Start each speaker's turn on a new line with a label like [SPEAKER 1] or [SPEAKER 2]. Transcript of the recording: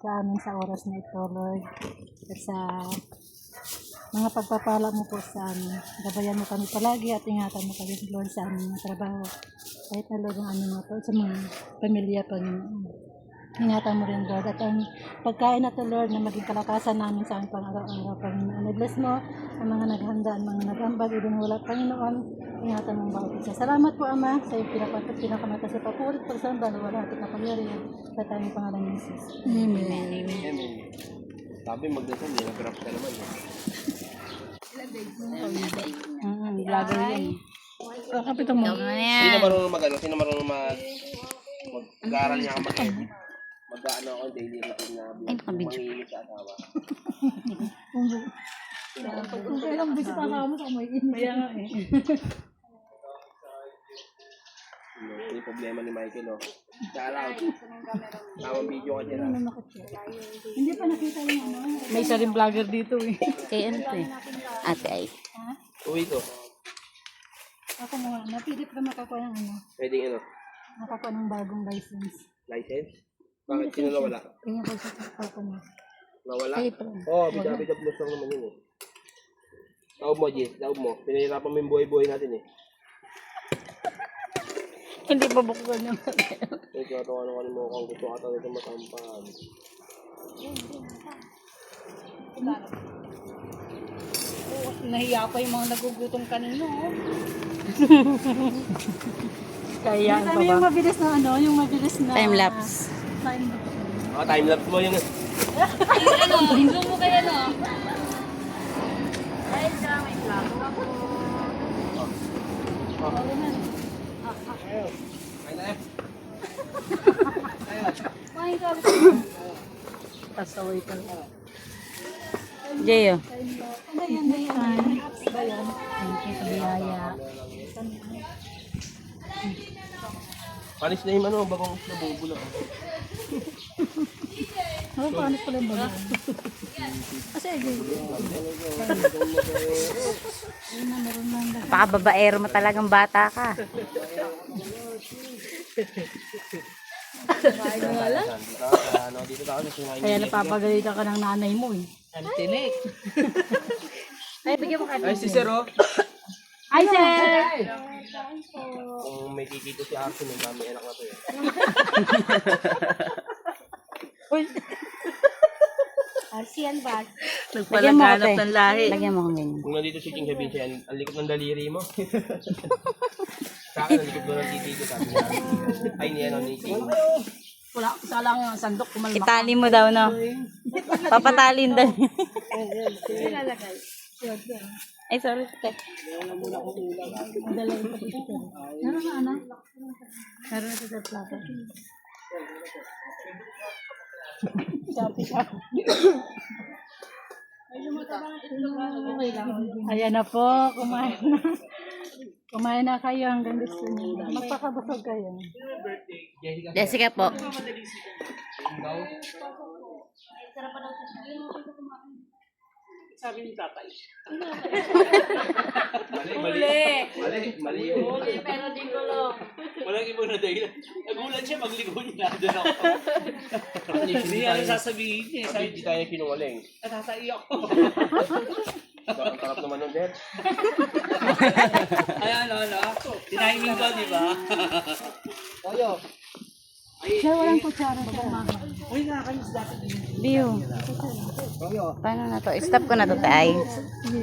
[SPEAKER 1] sa amin sa oras na ito, Lord. At sa mga pagpapala mo po sa amin. Gabayan mo kami palagi at ingatan mo kami, Lord, sa aming mga trabaho. Kahit na, Lord, ang aming mga sa mga pamilya, Panginoon. Ingatan mo rin, Lord. At ang pagkain na to, Lord, na maging kalakasan namin sa aming pang-araw-araw, Panginoon. I-bless mo ang mga naghanda, ang mga nag-ambag, ibang wala, Panginoon. Ingatan mo ang bawat isa. Salamat po, Ama, sa iyong pinakamata sa papurit, pagsamba, wala ating kapangyarihan sa tayong pangalan ni Jesus.
[SPEAKER 2] Amen. Amen. Sabi magdasal, nag-grab ka naman.
[SPEAKER 1] Vlogger yan. Kapitan mo.
[SPEAKER 2] Sino marunong mag-ano? Sino marunong mag-aaral niya ka mag-edit? Mag-ano ako daily routine na manginginig sa asawa.
[SPEAKER 1] Kung kailang bisit ang kamo sa may init. Kaya nga eh.
[SPEAKER 2] Yung problema ni Michael, oh. Shout-out. Tamang video ka dyan,
[SPEAKER 1] Hindi pa nakita yung ano.
[SPEAKER 3] May isa rin vlogger dito eh.
[SPEAKER 4] Kay ano to eh? Ate ay.
[SPEAKER 2] Uwi ko.
[SPEAKER 1] Ako mo, napilit ka makakuha ng ano.
[SPEAKER 2] Pwede ano?
[SPEAKER 1] Makakuha ng bagong license.
[SPEAKER 2] License? Bakit? Sino nawala?
[SPEAKER 1] Kanya ko sa ako mo.
[SPEAKER 2] Nawala?
[SPEAKER 4] Ay, pa.
[SPEAKER 2] Oo, bida-bida plus lang naman yun eh. Taob mo, Jess. Taob mo. Pinahirapan mo yung buhay-buhay natin eh.
[SPEAKER 4] Hindi pa buksan yung
[SPEAKER 2] Ito na ito ano mo kung gusto ka talaga matampan.
[SPEAKER 3] Nahiya pa yung mga nagugutom kanino.
[SPEAKER 4] Kaya
[SPEAKER 1] Ano yung mabilis na ano, yung mabilis na
[SPEAKER 4] time-lapse.
[SPEAKER 2] Time-lapse mo yung...
[SPEAKER 3] Zoom mo kaya no?
[SPEAKER 1] pasaway ka.
[SPEAKER 4] Jeyo.
[SPEAKER 1] Ano yan na yan? Apps ba yan? Thank you sa biyaya.
[SPEAKER 2] Panis na yung ano, bagong nabubula.
[SPEAKER 1] Ano paano pala yung bago? Kasi
[SPEAKER 4] Pakababaero mo talagang bata ka.
[SPEAKER 2] Dito ka kasi
[SPEAKER 1] kaya napapagalitan ka ng nanay mo eh.
[SPEAKER 3] Ang tinik.
[SPEAKER 1] Ay, bigyan mo
[SPEAKER 2] Ay, si Sir, oh.
[SPEAKER 1] Hi, sir!
[SPEAKER 2] Kung may kikito si Arson, yung dami anak na to eh.
[SPEAKER 1] Arsian ba?
[SPEAKER 4] Nagpalaganap ng lahi. Lagyan mo kong ganyan.
[SPEAKER 2] Kung nandito si King sabihin siya, ang likot ng daliri mo. Sa akin, ang likot doon ng titi ko, sabi niya. Ay, niya, no, ni King.
[SPEAKER 3] Wala, isa lang yung sandok kumalma.
[SPEAKER 4] Itali mo daw, no? Papatalin daw. Ay, sorry.
[SPEAKER 1] Ano na, ano? Meron na sa plato. Ayan na po, kumain na. Kumain na kayo hanggang gusto niyo. Magpakabusog kayo.
[SPEAKER 4] Jessica po.
[SPEAKER 3] Sabi ni tatay.
[SPEAKER 2] Mali yun.
[SPEAKER 3] Pero di ko lang. Walang ibang na dahilan. Nagulat siya, magligo niya. Doon ako. Hindi ano sasabihin niya.
[SPEAKER 2] Sabi, di tayo sinungaling.
[SPEAKER 3] Natataiyak ko.
[SPEAKER 2] Ang tarap naman nun, Dad.
[SPEAKER 3] Ay, ano. Tiniming ko, di ba?
[SPEAKER 1] Siya walang kutsara sa
[SPEAKER 3] Uy, nakakayos dati din.
[SPEAKER 4] Biyo. Paano na to? Stop ko na to, tay.